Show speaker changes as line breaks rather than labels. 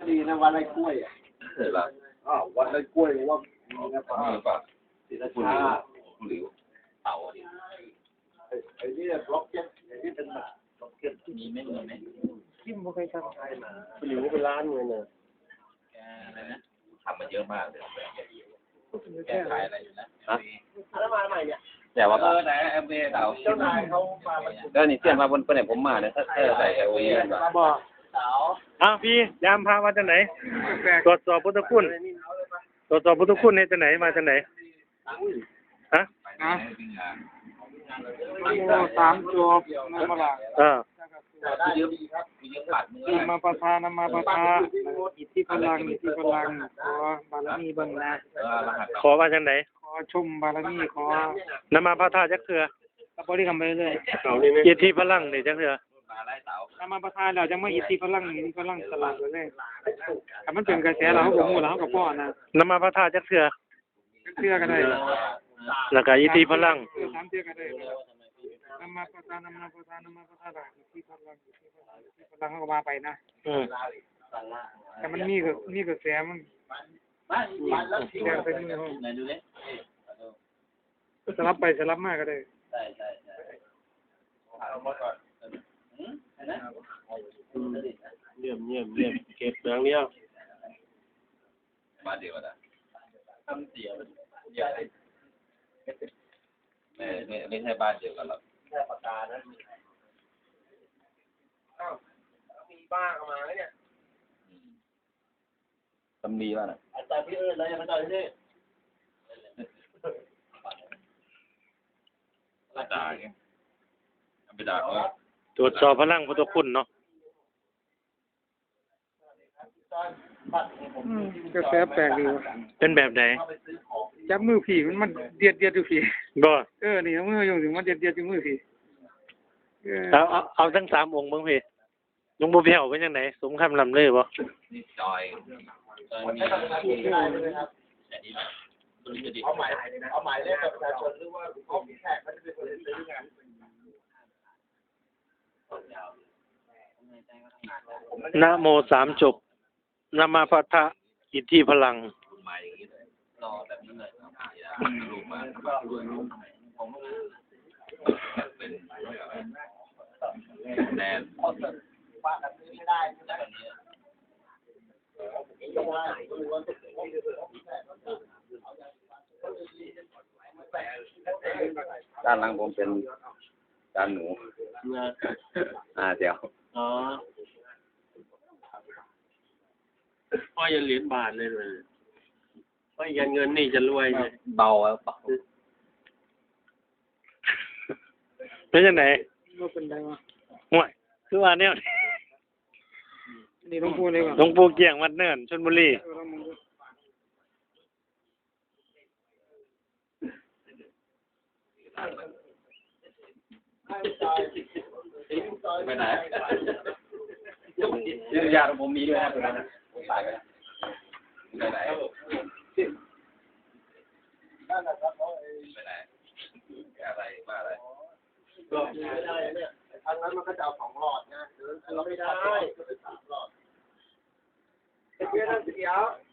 ดีนะวันไรกล้วยอ่ะ
เห็นละ
วันไรกล้วยว่า
มีป่ะ
ศิล
คุณ
ปะ
หลิวเต่าดิ
ไอ้นี่บล็อกเก็ตไอ้นี่เป็นแบบบล็อกเก็ต
มีไหม
ที่มันเคยทำไทยมาหลิวเป็นร้านเลยเนี่ย
อะไรนะทำมาเยอะมากเลยแก้ไขอะไรอยู่นะ
แล้วมาใหม่เนี่ย
แต่ว่าไหนเอ็มเอเต่า
เจ้านายเขามา
แล้วนี่เสี้ยนมาบนไหนผมมาเนี่ยถ้าใส่เอลวีนแบบ
บอก
อ้าวพี่ยามพามาจากไหนตรวจสอบพุทธคุณตรวจสอบพุทธคุณเนี่ยจากไหนมาจากไหนฮะ
สามจบมาบลา
ยืมปัดมือ
มาประทานมาประทานอิทธิพลังขอบารมีบังนะ
ขอมาจากไหน
ขอชมบารมีขอน
ำมาพระธาตุจักเถื่อ
บริกรรมไปเลย
อิทธิพลังนี่จักเถื่
อนำมาประทานเราจะไม่อิทธิพลังสลัดเลยถ้ามันเป็นกระแสเราก็มูเรากับพ่อนะ
นำมาพระธาตุจักเถื่อ
เชื่อกันได้
แล้วก็อิทธิพลัง
สามเชื่อกันได้นำมาประทานอิทธิพลังก็มาไปนะแต่มันมีกระแสมันแรงไปมือสลับไปสลับมาก็ได้
เยี่ยมเก็บอย่างเดียว
มาเดียวนะทำเสียใหญ่ไม่ใช่บ้านเดียวกันหรอก
แค่ปากกานะมีบ้าเข้ามาแล้วเนี่ย
ตำดีว่าน่ะ
อาจารย์พี่แล้วยังไม่ได้ที่
ด่าไงไปด่าเขา
ตรวจสอบพลังพุทธคุณเนาะ
กระแสแปลกดีวะ
เป็นแบบไหน
จับมือผีมันเดียดดูผี
บ่
นี่มืออยู่ถึงมันเดียดอยู่มือผี
เอาทั้ง3องค์บ้างพี่หลวงปู่เพียวเป็นยังไงสมคำลำเลยบ่
นี่จอยมี
เอาหมายเลขประชาชนหรือว่าเขามีแขกมันจะเป็นคนซื้องาน
นะโม3จบนำมาพระธาตุอิทธิพลัง
รอแบบนี้เลยรูปมาผมเป็นแนน
ว่ากันไม่ได้
ด้านหลังผมเป็นจานหนูเดี๋ยว
พ่อยันเหรียญบาทเลยพ่อยันเงินนี่จะรวยเลย
เบาแล้วเปล่า
เป็นยังไง
ก็เป็นได้ว่า
ห่วยคือว่าเนี่ย
นี่หลวงปู่เลยว่ะ
หลวงปู่เกี่ยงวัดเนินชลบุรี
ไปไหนญาติผมมีด้วยนะตรงนั้นผมตายไปไหน
นั่นแหละครับ
ไปไหนอะไรมาอะไร
ก็ไม่ได้เนี่ยทางนั้นมันก็จะเอา2 หลอดนะเราไม่ได้ก็เป็น3 หลอดเดี๋ยว